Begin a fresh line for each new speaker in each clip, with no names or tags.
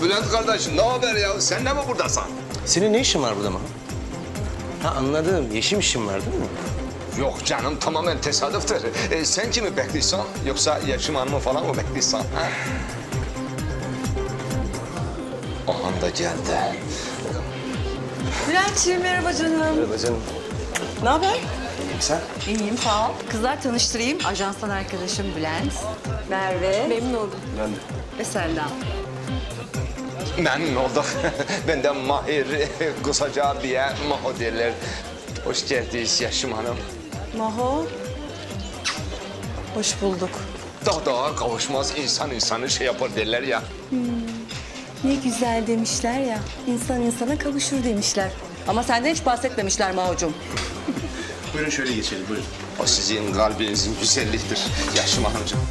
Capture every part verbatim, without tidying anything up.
Bülent kardeşim ne haber ya? Sen de mi buradasın?
Senin ne işin var burada Maho? Ha anladım. Yeşim işin var değil mi?
Yok canım tamamen tesadüftür. Ee, sen kimi bekliyorsun? Yoksa Yaşım Hanım'ı falan mı bekliyorsun? Ha? Ahan da geldi.
Bülent'ciğim merhaba canım.
Merhaba canım.
Ne haber?
İyiyim sen?
İyiyim sağ ol. Kızlar tanıştırayım. Ajanstan arkadaşım Bülent. Merve. Memnun oldum.
Ben de.
Ve Selda.
Memnun olduk. Ben de Mahir, kısaca abiye Maho derler. Hoş geldiniz Yaşım Hanım.
Maho. Hoş bulduk.
Daha daha kavuşmaz insan insanı şey yapar derler ya.
Ne güzel demişler ya. İnsan insana kavuşur demişler. Ama senden hiç bahsetmemişler Maho'cum.
Buyurun şöyle geçelim buyurun.
O sizin kalbinizin güzelliğidir Yaşım Hanımcığım.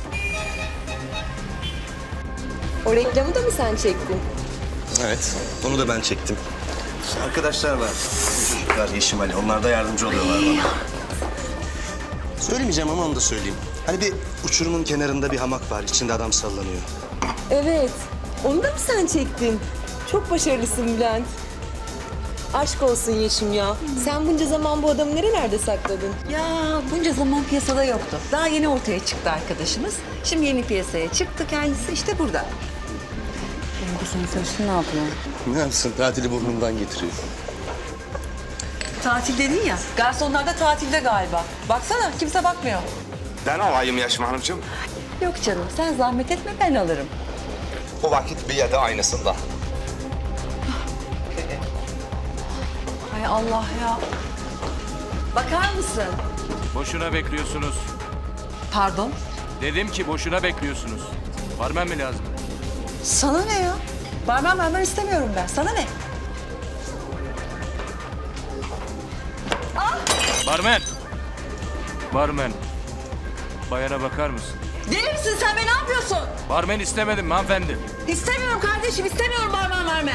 O reklamı da mı sen çektin?
Evet. Onu da ben çektim. İşte arkadaşlar var. Çocuklar Yeşim Ali. Onlar da yardımcı oluyorlar bana. Söylemeyeceğim ama onu da söyleyeyim. Hani bir uçurumun kenarında bir hamak var. İçinde adam sallanıyor.
Evet. Onu da mı sen çektin? Çok başarılısın Bülent. Aşk olsun Yeşim ya. Sen bunca zaman bu adamı nerelerde sakladın?
Ya bunca zaman piyasada yoktu. Daha yeni ortaya çıktı arkadaşımız. Şimdi yeni piyasaya çıktı kendisi işte burada. Benim senin sarışın ne yapıyor?
Ne yapsın? Tatili burnundan getiriyor.
Tatil dedin ya. Garsonlar da tatilde galiba. Baksana kimse bakmıyor.
Ben alayım Yaşım Hanımcığım.
Yok canım sen zahmet etme ben alırım.
O vakit bir yerde aynısında.
Hay Allah ya. Bakar mısın?
Boşuna bekliyorsunuz.
Pardon.
Dedim ki boşuna bekliyorsunuz. Barmen mi lazım?
Sana ne ya? Barmen barmen istemiyorum ben. Sana ne?
Barmen! Barmen. Bayana bakar mısın?
Deli misin sen be ne yapıyorsun?
Barmen istemedim hanımefendi.
İstemiyorum kardeşim istemiyorum barmen barmen.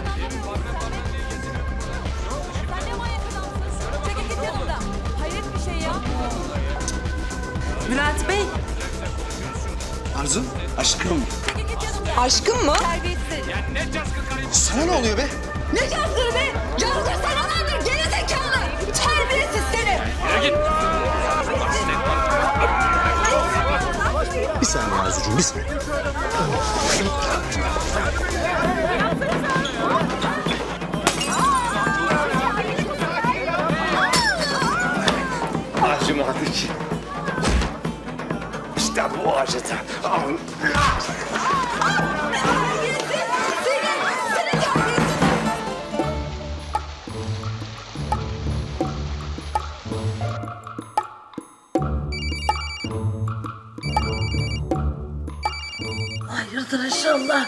Çekil git yanımda. Hayret bir şey ya.
Bülent Bey.
Arzu, aşkım.
Aşkım mı?
Sana ne oluyor be?
Ne cazgırı be? Cazgır sana vardır geri zekalı. Terbiyesiz seni.
Yürü git.
Bir saniye Arzucuğum, bir saniye.
Acımadı ki. İşte bu acıdı.
Hayırdır inşallah.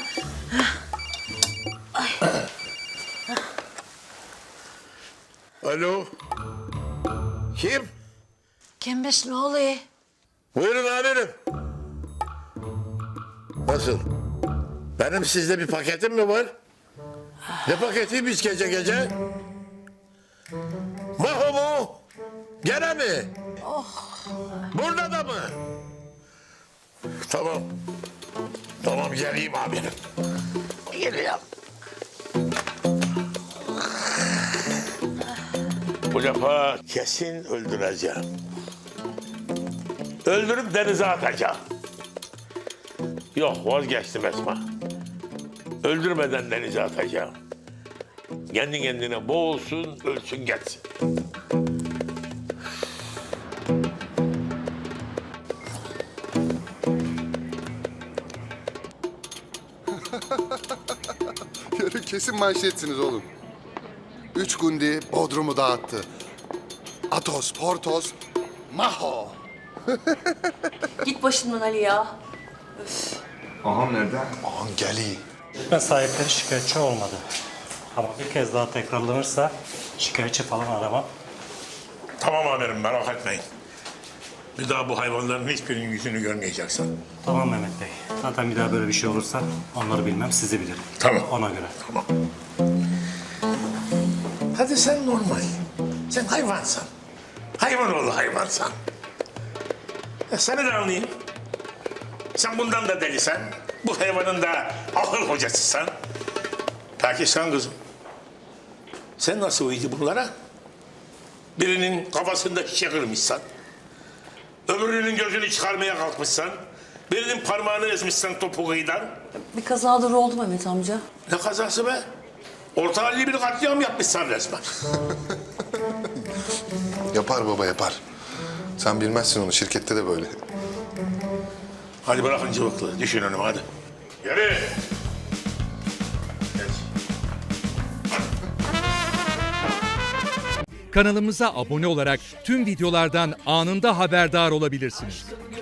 Alo. Kim?
Kimmiş ne oluyor?
Buyurun amirim. Nasıl? Benim sizde bir paketim mi var? Ne paketiymiş gece gece? Maho mu? Gene mi? Burada da mı? Tamam. Tamam geleyim amirim. Geliyorum. Bu defa kesin öldüreceğim. Öldürüp denize atacağım. Yok vazgeçtim Esma. Öldürmeden denize atacağım. Kendi kendine boğulsun, ölsün geçsin.
Yarın kesin manşetsiniz oğlum. Üç gundi Bodrum'u dağıttı. Atos, Portos, Maho.
Git başımdan Ali ya.
Ağam nerede?
Aman geli.
Ben sahipleri şikayetçi olmadı. Ama bir kez daha tekrarlanırsa şikayetçi falan aramam.
Tamam amirim merak etmeyin. Bir daha bu hayvanların hiçbirinin yüzünü görmeyeceksin.
Tamam Mehmet Bey. Zaten bir daha böyle bir şey olursa onları bilmem, sizi bilirim.
Tamam.
Ona göre.
Tamam. Hadi sen normal. Sen hayvansan. Hayvan oğlu hayvansan. Ya seni de anlayayım. Sen bundan da delisen, bu hayvanın da akıl hocasısan. Peki sen kızım. Sen nasıl uydun bunlara? Birinin kafasında şişe kırmışsan, öbürünün gözünü çıkarmaya kalkmışsan, birinin parmağını ezmişsen topuğuyla.
Bir kazadır oldu Mehmet amca.
Ne kazası be? Orta halli bir katliam yapmışsan resmen.
Yapar baba yapar. Sen bilmezsin onu, şirkette de böyle.
Hadi bırakın cıvıklığı, düşün önüme hadi. Yürü. Geç.
Kanalımıza abone olarak tüm videolardan anında haberdar olabilirsiniz.